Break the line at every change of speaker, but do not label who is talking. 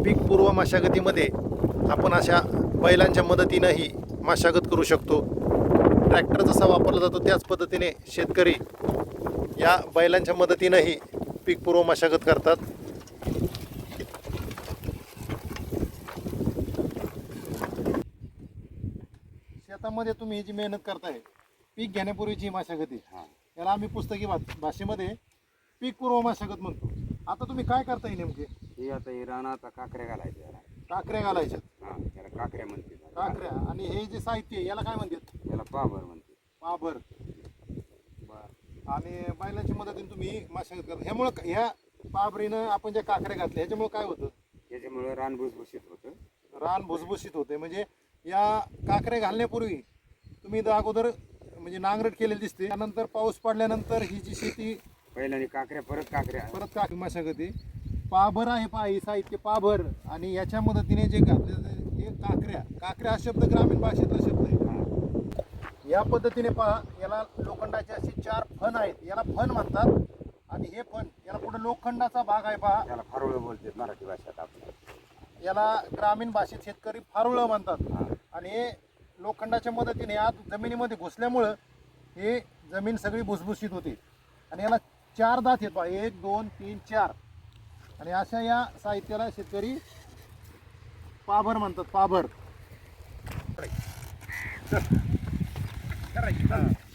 पीक पूर्व मशागतीमध्ये आपण अशा बैलांच्या मदतीनंही मशागत करू शकतो. ट्रॅक्टर जसा वापरला जातो त्याच पद्धतीने शेतकरी या बैलांच्या मदतीनंही पीक पूर्व मशागत करतात. शेतामध्ये तुम्ही ही जी मेहनत करताय पीक घेण्यापूर्वीची मशागती, याला आम्ही पुस्तकी भाषेमध्ये पीक पूर्व मशागत म्हणतो. आता तुम्ही काय करताय नेमके?
हे आता हे रानात काकऱ्या घालायच्या याला.
काकऱ्या घालायच्या.
याला काकऱ्या म्हणते.
काकऱ्या. आणि हे जे साहित्य आहे, याला काय म्हणतात?
याला पाभर म्हणते.
पाभर. आणि बैलांची मदतीने तुम्ही मशागत करता. ह्यामुळं ह्या पाभरीनं आपण ज्या काकऱ्या घातल्या ह्याच्यामुळे काय होतं?
त्याच्यामुळे रान भुसभुशीत होतं.
रान भुसभुशीत होते. म्हणजे या काकऱ्या घालण्यापूर्वी तुम्ही अगोदर म्हणजे नांगरट केलेली दिसते. त्यानंतर पाऊस पडल्यानंतर ही जी शेती
पहिल्याने काकऱ्या परत
काक मशागती. पाभर आहे पहा, हे साहित्य पाभर. आणि याच्या मदतीने जे घातले हे काकऱ्या हा शब्द ग्रामीण भाषेतला शब्द आहे. या पद्धतीने पहा, याला लोखंडाचे असे 4 फण आहेत, याला फण म्हणतात. आणि हे फण याला पुढे लोखंडाचा भाग आहे पहा,
त्याला फारुळ बोलते मराठी भाषेत. आपल्या
याला ग्रामीण भाषेत शेतकरी फारुळं म्हणतात. आणि हे लोखंडाच्या मदतीने आत जमिनीमध्ये घुसल्यामुळं हे जमीन सगळी भुसभुशीत होते. आणि याला 4 दात आहेत पहा, 1 2 3 4. आणि अशा या साहित्याला शेतकरी पाभर म्हणतात. पाभर.